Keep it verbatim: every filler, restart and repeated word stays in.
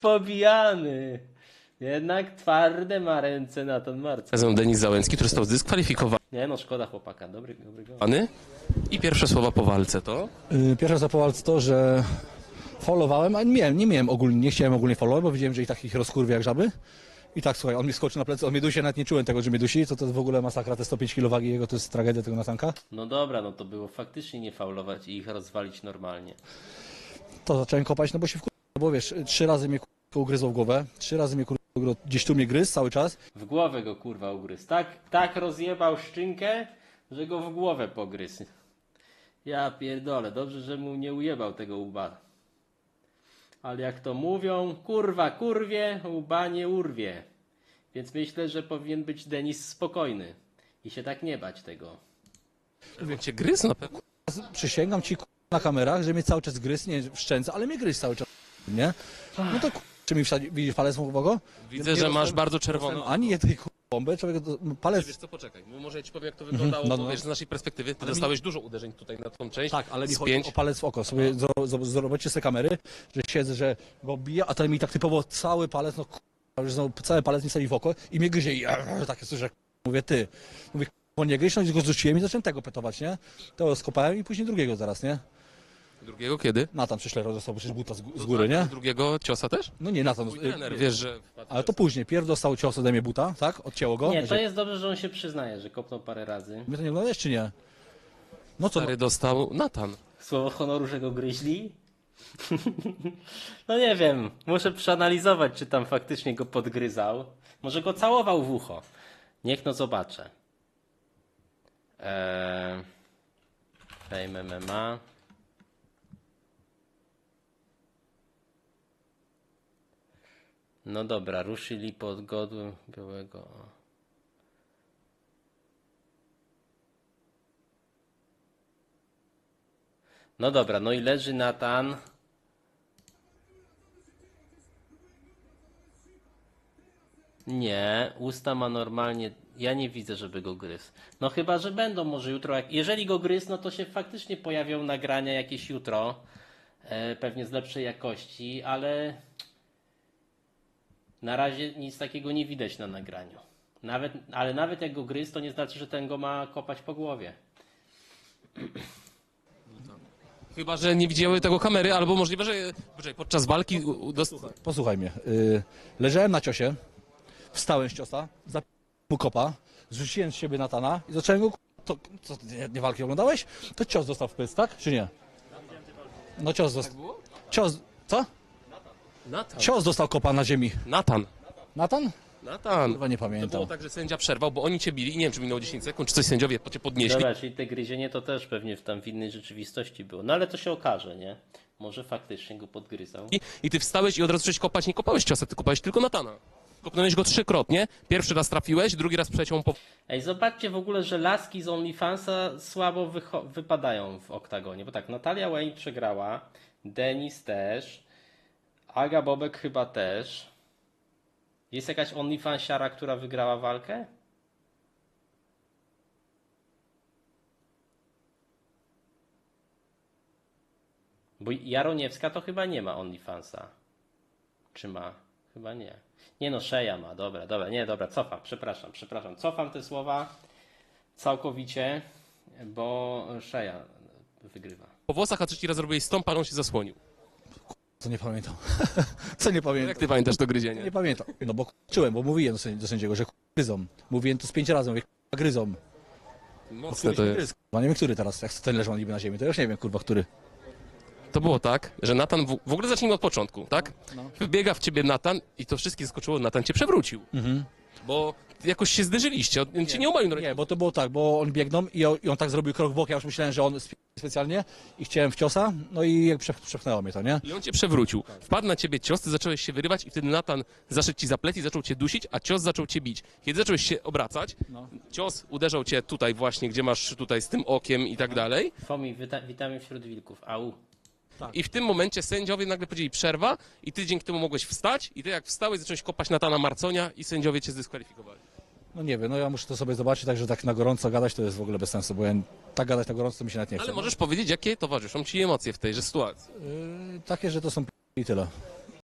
pobijany. Jednak twarde ma ręce Natan Marcin. Razem Denis Załęcki, który został zdyskwalifikowany. Nie no, szkoda chłopaka, dobry, dobry go. I pierwsze słowa po walce to? Yy, Pierwsze co po walce to, że followowałem, a nie miałem, nie miałem ogólnie, nie chciałem ogólnie followować, bo widziałem, że i takich rozkurwia jak żaby. I tak, słuchaj, on mi skoczył na plecy, on mnie dusi, nawet nie czułem tego, że mnie dusi, to to w ogóle masakra, te sto pięć kilo wagi jego, to jest tragedia tego Natanka. No dobra, no to było faktycznie nie faulować i ich rozwalić normalnie. To zacząłem kopać, no bo się wkur... no bo wiesz, trzy razy mnie kurwa ugryzło w głowę, trzy razy mnie kurwa gdzieś tu mnie gryzł cały czas. W głowę go kurwa ugryzł. Tak, tak rozjebał szczynkę, że go w głowę pogryzł. Ja pierdolę, dobrze, że mu nie ujebał tego łba. Ale jak to mówią, kurwa kurwie, łba nie urwie. Więc myślę, że powinien być Denis spokojny i się tak nie bać tego. Jak cię gryzł na pewno? Przysięgam ci kurwa, na kamerach, że mnie cały czas gryzł, nie w szczęce, ale mnie gryzł cały czas, nie? No to kurwa, czy mi wsadzi, widzisz palec mógłego? Widzę, że masz bardzo czerwoną. Ani jednej kurwa bombę, człowiek, palec... Wiesz co, poczekaj, bo może ja ci powiem jak to wyglądało, no, no. bo wiesz, z naszej perspektywy, ty Ale mi- dostałeś dużo uderzeń tutaj na tą część. Tak, ale mi z chodzi pięć. o palec w oko. Sobie zro- zro- zobaczcie sobie kamery, że siedzę, że go bije, a ten mi tak typowo cały palec, no kurwa, że znowu cały palec mi sali w oko i mnie gryzie i takie słyszę, mówię ty. Mówię, bo nie gryź, no i go zrzuciłem i zacząłem tego petować, nie? To skopałem i później drugiego zaraz, nie? Drugiego kiedy? Natan przyszle dostał przecież buta z, z góry, nie? Drugiego ciosa też? No nie, Natan. Twój trener, wiesz, że... Ale to później, pierw dostał cios ode mnie buta, tak? Odcięło go. Nie, to jest dobrze, że on się przyznaje, że kopnął parę razy. Mnie to nie oglądałeś, czy nie? No co? No, Stary dostał Natan. Słowo honoru, że go gryźli? No nie wiem, muszę przeanalizować, czy tam faktycznie go podgryzał. Może go całował w ucho. Niech no zobaczę. Eee... Fame M M A. No dobra, ruszyli pod godłem białego. No dobra, no i leży Natan. Nie, usta ma normalnie. Ja nie widzę, żeby go gryzł. No chyba, że będą może jutro. Jak... Jeżeli go gryzł, no to się faktycznie pojawią nagrania jakieś jutro. E, pewnie z lepszej jakości, ale na razie nic takiego nie widać na nagraniu. Nawet, ale nawet jak go gryzł, to nie znaczy, że ten go ma kopać po głowie. Chyba, że nie widziały tego kamery, albo możliwe, że poczekaj, podczas walki u- u- dost... Posłuchaj mnie. Y, leżałem na ciosie, wstałem z ciosa, zapiłem mu kopa, zrzuciłem z siebie Natana i zacząłem go... To, co, ty nie, nie walki oglądałeś? To cios dostał w pysk, tak? Czy nie? No cios dostał. Cios... Co? Natan. Cios dostał kopa na ziemi. Natan. Natan? Natan. Chyba nie To pamiętam. było tak, że sędzia przerwał, bo oni cię bili i nie wiem, czy minęło dziesięć sekund, czy coś sędziowie cię podnieśli. Dobra, czyli te gryzienie to też pewnie w tam w innej rzeczywistości było. No ale to się okaże, nie? Może faktycznie go podgryzał. I, I ty wstałeś i od razu zacząłeś kopać, nie kopałeś ciosa, ty kopałeś tylko Natana. Kopnąłeś go trzykrotnie, pierwszy raz trafiłeś, drugi raz przeciął po... Ej, zobaczcie w ogóle, że laski z OnlyFansa słabo wycho- wypadają w oktagonie. Bo tak, Natalia Wayne przegrała, Denis też, Aga Bobek chyba też. Jest jakaś OnlyFansiara, która wygrała walkę? Bo Jaroniewska to chyba nie ma OnlyFansa. Czy ma? Chyba nie. Nie no, Szeja ma, dobra, dobra, nie, dobra, cofam, przepraszam, przepraszam, cofam te słowa całkowicie, bo Szeja wygrywa. po włosach, a trzeci raz zrobiłeś stąd, pan on się zasłonił. Co nie pamiętam. Co nie Jak pamiętam? ty pamiętasz to gryzienie? Nie pamiętam. No bo czułem, bo mówiłem do sędzi- do sędziego, że gryzą. Mówiłem to z pięć razy, mówię gryzą. Mocne to jest. Gryz, kurwa, nie wiem, który teraz, jak ten leżał niby na ziemi, to już nie wiem, kurwa, który. To było tak, że Natan, w, w ogóle zacznijmy od początku, tak? No. Wbiega w ciebie Natan i to wszystkie skoczyło, Natan cię przewrócił. Mhm. Bo jakoś się zderzyliście, on cię nie umalił na Nie, bo to było tak, bo on biegną i on, i on tak zrobił krok w bok, ja już myślałem, że on sp- specjalnie i chciałem w ciosa, no i jak przep- przepchnęło mnie to, nie? I on cię przewrócił. Wpadł na ciebie cios, ty zacząłeś się wyrywać i wtedy Natan zaszedł ci za plecy i zaczął cię dusić, a cios zaczął cię bić. Kiedy zacząłeś się obracać, No. cios uderzał cię tutaj właśnie, gdzie masz tutaj z tym okiem i tak dalej. Fomi, wita- witamy wśród wilków, au. I w tym momencie sędziowie nagle powiedzieli przerwa i ty dzięki temu mogłeś wstać i ty jak wstałeś zacząłeś kopać Natana Marconia i sędziowie cię zdyskwalifikowali. No nie wiem, no ja muszę to sobie zobaczyć, także tak na gorąco gadać to jest w ogóle bez sensu, bo ja tak gadać na gorąco to mi się nawet nie chce. Ale możesz powiedzieć, jakie towarzyszą ci emocje w tejże sytuacji. Yy, takie, że to są p- i tyle.